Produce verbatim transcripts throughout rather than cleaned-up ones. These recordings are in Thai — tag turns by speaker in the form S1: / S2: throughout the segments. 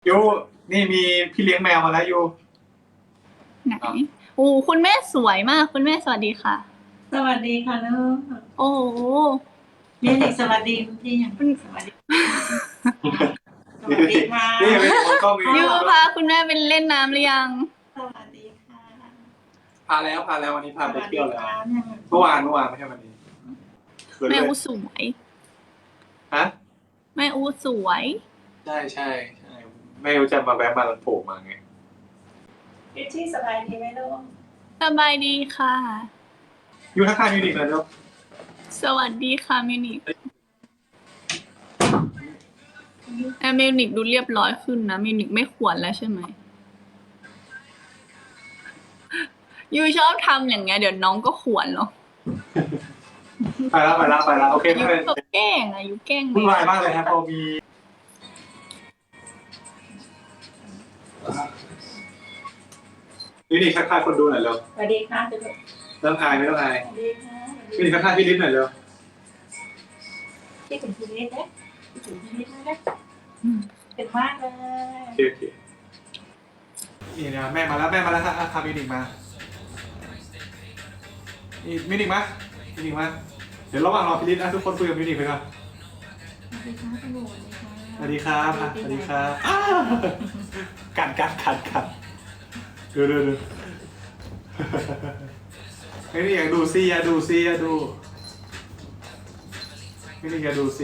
S1: ยูนี่มีพี่เลี้ยงแมวมาแล้วยู
S2: ไหนโอ้คุณแม่สวยมากคุณแม่สวัสดีค่ะ
S3: สวัสดีค่ะลูก
S2: โอ้โห
S3: เรียนอีกสวัสดีคุณพี่ยังสวัสดีสวัสดีค่ะ
S1: นี่เป็นคนกล้องมี
S2: ยูพาคุณแม่เป็นเล่นน้ำหรือยัง
S3: สวัสดีค่ะ
S1: พาแล้วพาแล้ววันนี้พาไปเที่ยวแล้ว
S3: สวัสดีค่ะ
S1: เมื่อวานเมื่อวานไม่ใช่วันนี้เขินเล
S2: แม่
S1: ย
S2: อู้สวย
S1: ฮะ
S2: แม่อู้สวย
S1: ใช่ใช่ใช่ไม่รู้จะมาแวะมาโผล่มาไง
S3: พี่ที่สบายดีไหมลูก
S2: สบายดีค่ะ
S1: ยูทักทายมิวนิกเลยลูก
S2: สวัสดีค่ะมิวนิกแอมมิวนิกดูเรียบร้อยขึ้นนะมิวนิกไม่ขวนแล้วใช่ไหมยูชอบทำอย่างเงี้ยเดี๋ยวน้องก็ขวนหรอก
S1: ไปแล้วไปแล้วไปแล้วโอเค
S2: ยู
S1: ไม่เป็น
S2: ก็แกล้งอะยูแกล้ง
S1: วุ่นวายมากเลยครับพอมีมิวนิกทักทายคนดูหน่อยเร็ว
S3: สวัสดีค่ะทุกคน
S1: เริ่มอายไม่ต้องอาย
S3: สวัสดีค่ะ
S1: มิวนิกทักทายพี่ลิ้นหน่อยเร็ว
S3: พี่ถึงพี่นิดนะพี่ถึงพี่นิดนะเป็นมากเลย
S1: โอเคโอเคนี่นะแม่มาแล้วแม่มาแล้วครับพามิวนิกมานี่มิวนิกมามิวนิกมาเดี๋ยวระหว่างรอพี่ลิ้นนะทุกคนคุยกับมิวนิกไปก่อน
S3: สวัสดีค่ะคุณหนูส
S1: สวัสดีครับอ่ะสวัสดีครับอ้าวกัดกัดกัดกัดดูดูดูไม่ได้อยากดูซิอยากดูซิอยากดูไม่ได้อยากดูซิ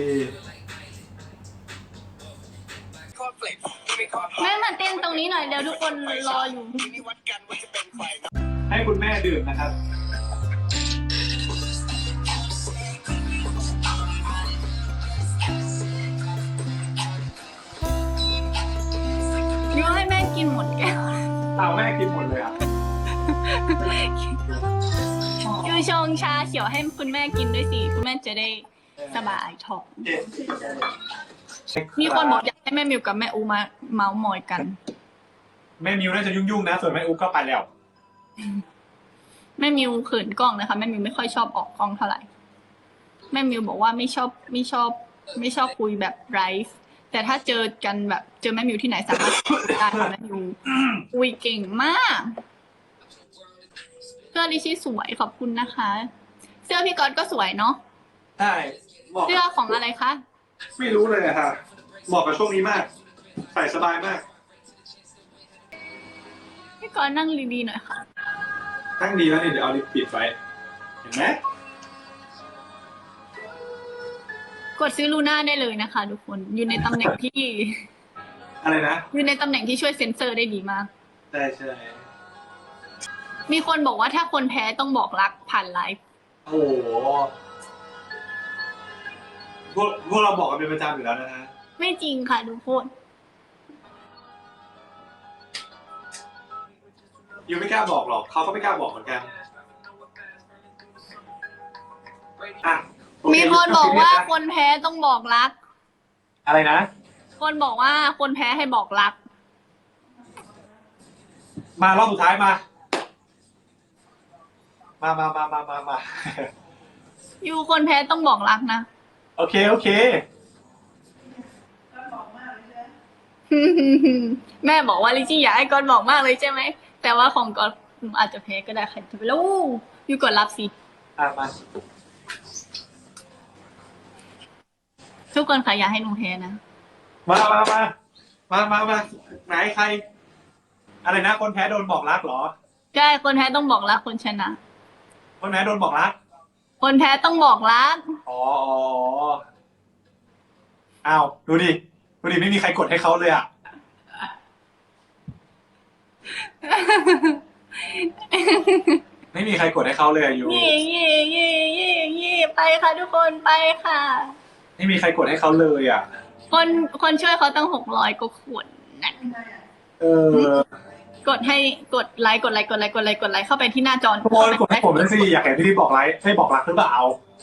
S2: แม่มาเต้นตรงนี้หน่อยเดี๋ยวทุกคนรออยู่
S1: ให้คุณแม่ดื่มนะครับ
S2: ยูให้แม่กินหมดแก้ว
S1: เอาแม่กินหมดเลยอ่ะ
S2: ยูชงชาเขียวให้คุณแม่กินด้วยสิคุณแม่จะได้สบายท้องมีคนบอกอยากให้แม่มิวกับแม่อูมาเมาส์มอยกัน
S1: แม่มิวน่าจะยุ่งๆนะ ส่วนแม่อุ๊กก็ไปแล้ว
S2: แม่มิวเขินกล้องนะคะแม่มิวไม่ค่อยชอบออกกล้องเท่าไหร่แม่มิวบอกว่าไม่ชอบไม่ชอบ ไม่ชอบคุยแบบไลฟ์แต่ถ้าเจอกันแบบเจอแม่มิวที่ไหนสามารถคุยได้ค่ะแม่มิวคุยเก่งมากเสื้อดิชี่สวยขอบคุณนะคะ เสื้อพี่ก๊อตก็สวยเนาะ
S1: ใช่บอก
S2: เสื้อของอะไรคะ
S1: ไม่รู้เลยอะค่ะเหมาะกับช่วงนี้มาก ใส่สบายมาก
S2: พี่ก๊อตนั่งดีๆหน่อยค่ะ
S1: ทั้งดีแล้วนี่เดี๋ยวเอาลิปปิดไว้ เห็นไหม
S2: กดซื้อลูน่าได้เลยนะคะทุกคนอยู่ในตำแหน่งที่
S1: อะไรนะ
S2: อยู่ในตำแหน่งที่ช่วยเซ็นเซอร์ได้ดีมาก
S1: ใช่ใช่
S2: มีคนบอกว่าถ้าคนแพ้ต้องบอกรักผ่านไลฟ์
S1: โอ้โหพวกพวกเราบอกกันเป็นประจำอยู่แล้วนะฮะ
S2: ไม่จริงค่ะทุกคน
S1: ยูไม่กล้าบอกหรอก เขาก็ไม่กล้าบอกเหมือนกันอ่ะโอเ
S2: มีคนบอกว่าคนแพ้ต้องบอกรัก
S1: อะไรนะ
S2: คนบอกว่าคนแพ้ให้บอกรัก
S1: มารอบสุดท้ายมา มามามามามามา
S2: อยู่คนแพ้ต้องบอกรักนะ
S1: โอเค โอเค
S2: แม่บอกว่าลิชี่อยากให้กอนบอกมากเลยใช่ไหม แต่ว่าของกอนอาจจะแพ้ก็ได้ใครจะไปรู้อยู่กดรับสิ
S1: อ่ะมา
S2: ทุกคนค่ะอยากให้หนูแพ้นะ
S1: มามามามามามาไหนใคร อะไรนะ คนแพ้โดนบอกรักเหรอ
S2: ใช่ คนแพ้ต้องบอกรักคนชนะ
S1: คนแพ้โดนบอกรัก
S2: คนแพ้ต้องบอกรัก
S1: อ๋ออ๋ออ้าว ดูดิ ดูดิ ไม่มีใครกดให้เขาเลยอ่ะ ไม่มีใครกดให้เขาเลยอะยู
S2: เย่เย่เย่เย่เย่ไปค่ะทุกคนไปค่ะ
S1: ไม่มีใครกดให้เขาเลยอ่ะ
S2: คนคนช่วยเขาตั้งหกร้อยก็ขวดนะ
S1: เออ
S2: กดให้กดไลค์กดไลค์กดไลค์กดไลค์กดไลค์เข้าไปที่หน้าจอ
S1: ทุกคนกดให้ผมด้วยสิ อยากเห็นพี่ที่บอกไลค์ให้บอกรักหรือเปล่า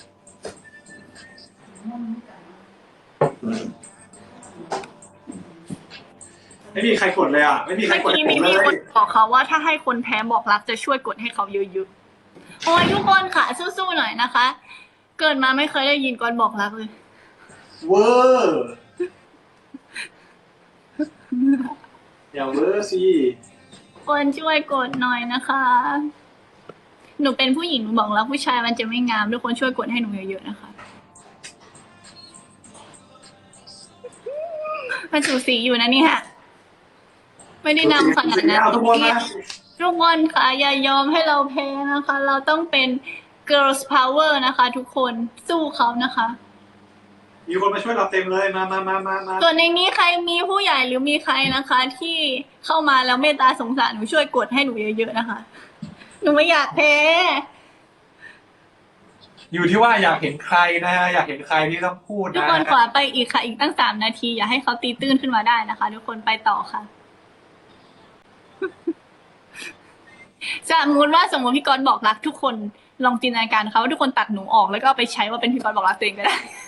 S1: ไม่มีใครกดเลยอ่ะ ไม่มีใคร
S2: เมื่อก
S1: ด
S2: กี้
S1: ให้ผ
S2: มี
S1: มเล
S2: มีคน
S1: ย
S2: บอกเขาว่าถ้าให้คนแพ้บอกรักจะช่วยกดให้เขาเยอะๆโอ้ยทุกคนค่ะสู้ๆหน่อยนะคะ เกิดมาไม่เคยได้ยินก่อนบอกรักเลย
S1: เวอร์อย่าเวอร์สิ
S2: คนช่วยกดหน่อยนะคะ หนูเป็นผู้หญิงหนูบอกแล้วผู้ชายมันจะไม่งามทุกคนช่วยกดให้หนูเยอะๆนะคะมันสูสีอยู่นะเนี่ยไม่ได้นำขนาดนั้น
S1: เอาทุกคนมา
S2: ทุกคนค่ะอย่ายอมให้เราแพ้นะคะ เราต้องเป็น girls power นะคะ ทุกคนสู้เขานะคะ
S1: มีคนมาช่วยเราเต็มเลยมามามามามา
S2: ส่วนในนี้ใครมีผู้ใหญ่หรือมีใครนะคะ ที่เข้ามาแล้วเมตตาสงสารหนูช่วยกดให้หนูเยอะๆนะคะ หนูไม่อยากแพ้
S1: อยู่ที่ว่าอยากเห็นใครนะฮะอยากเห็นใครที่ต้องพูด
S2: ทุก
S1: นะ
S2: คนขอไปอีกค่ะ อีกตั้งสามนาที อย่าให้เขาตีตื้นขึ้นมาได้นะคะ ทุกคนไปต่อค่ะ สมมติว่าสมมติพี่ก๊อตบอกรักทุกคนลองจินตนาการเขาว่าทุกคนตัดหนูออกแล้วก็เอาไปใช้ว่าเป็นพี่ก๊อตบอกรักตัวเองก็ได้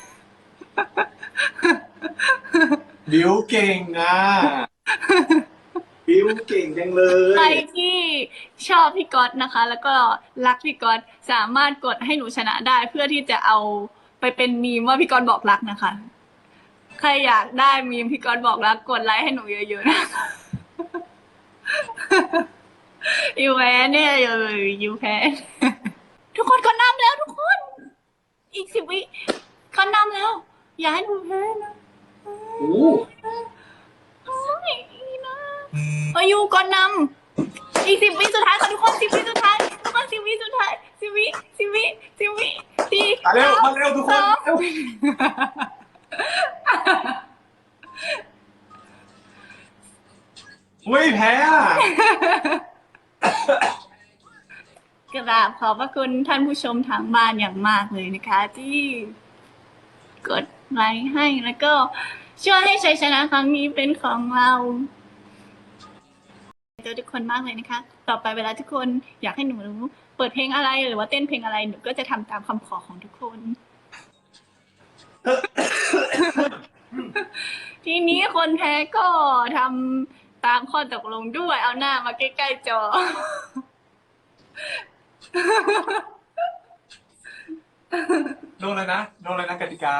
S1: บิวเก่งอ่ะบิวเก่งจังเลย
S2: ใครที่ชอบพี่ก๊อตนะคะ แล้วก็รักพี่ก๊อตสามารถกดให้หนูชนะได้ เพื่อที่จะเอาไปเป็นมีมว่าพี่ก๊อตบอกรักนะคะ ใครอยากได้มีมพี่ก๊อตบอกรักกดไลค์ให้หนูเยอะๆนะยูแพ้เนี่ยเลยยูแพ้ ทุกคนก็นำแล้วทุกคน อีกสิบวิก็นำแล้ว อย่าให้หนูแพ้นะ
S1: โอ้
S2: โอ้ยนะอายุก่อนนำอีกสิบวิสุดท้ายค่ะทุกคนสิบวิสุดท้ายทุกคนสิบวิสุดท้ายสิบวิสิบวิสิบวิสี่
S1: มาเร็วมาเร็วทุกคน
S2: สอง
S1: เร็วอุ้ยแพ้อะ
S2: กราบขอบพระคุณท่านผู้ชมทางบ้านอย่างมากเลยนะคะ ที่กดไลค์ให้แล้วก็ช่วยให้ชัยชนะครั้งนี้เป็นของเราเจอทุกคนมากเลยนะคะ ต่อไปเวลาทุกคนอยากให้หนูรู้เปิดเพลงอะไรหรือว่าเต้นเพลงอะไรหนูก็จะทำตามคำขอของทุกคน ทีนี้คนแพ้ก็ทำตามข้อตกลงด้วยเอาหน้ามาใกล้ๆจอ
S1: โดนเลยนะโดนเลยนะกติกา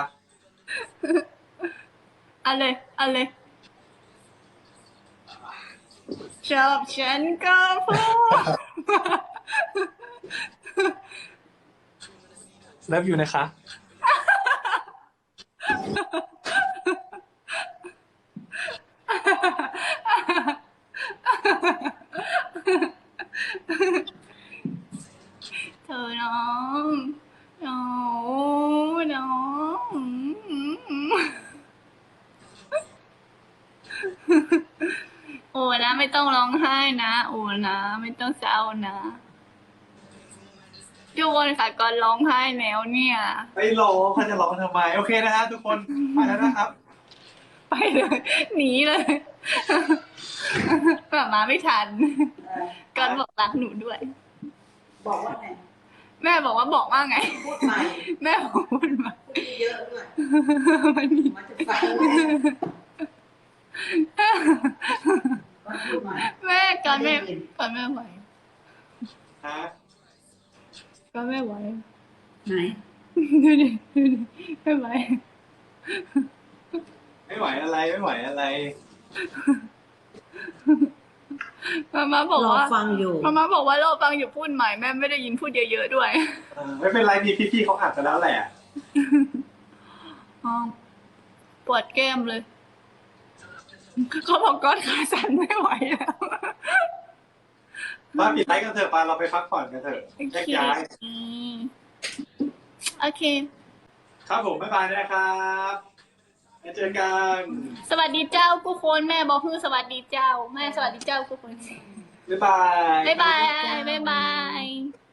S2: เอาเลยเอาเลยชอบฉันก็พูด
S1: เลิฟอยู่นะคะ
S2: เธอน้องน้องน้องโอ้นะไม่ต้องร้องไห้นะโอ้นะไม่ต้องเศร้านะทุกคนค่ะก่อนร้องไห้แล้วเนี่ย
S1: ไปร้องเขาจะร้องทำไม โอเคนะฮะทุกคนไปแล้วนะครับ
S2: ไปเลยหนีเลยกลับมาไม่ทันก่อนบอกรักหนูด้วย
S3: บอกว่าไง
S2: แม่บอกว่าบอกว่าไง
S3: พูดใหม่
S2: แม่บอกพูดมา
S3: พูดเยอะด้วย
S2: มันมี
S3: มันจะฟังก็พูดใหม่
S2: แม่ก่อนแม่ก่อนแม่ไหว
S1: ฮะ
S2: ก่อนแม่ไหว
S3: ไหน
S2: ดูดิดูดิไม่ไหว
S1: ไม่ไหวอะไรไม่ไหวอะไร
S2: มาม่าบอก
S3: รอ
S2: ว่า
S3: ฟังอยู่
S2: มาม่าบอกว่าเราฟังอยู่พูดใหม่แม่ไม่ได้ยินพูดเยอะๆด้วย
S1: เออไม่เป็นไรมีพี่ๆเขาอัดไปแล้วแหละ
S2: อ๋อปวดแก้มเลย เขาบอกก้อนขาสั่นไม่ไหวแล้ว
S1: มาปิดไลฟ์กันเถอะปาเราไปพักผ่อนกันเถอะ
S2: โอ
S1: แยก
S2: เค
S1: ย้าย
S2: โอเค
S1: ครับผมบ๊ายบายนะครับแล้วเจอกัน
S2: สวัสดีเจ้ากูคนแม่บอกคือสวัสดีเจ้า แม่สวัสดีเจ้ากูคน
S1: บ๊ายบาย
S2: บ๊ายบายบ๊ายบาย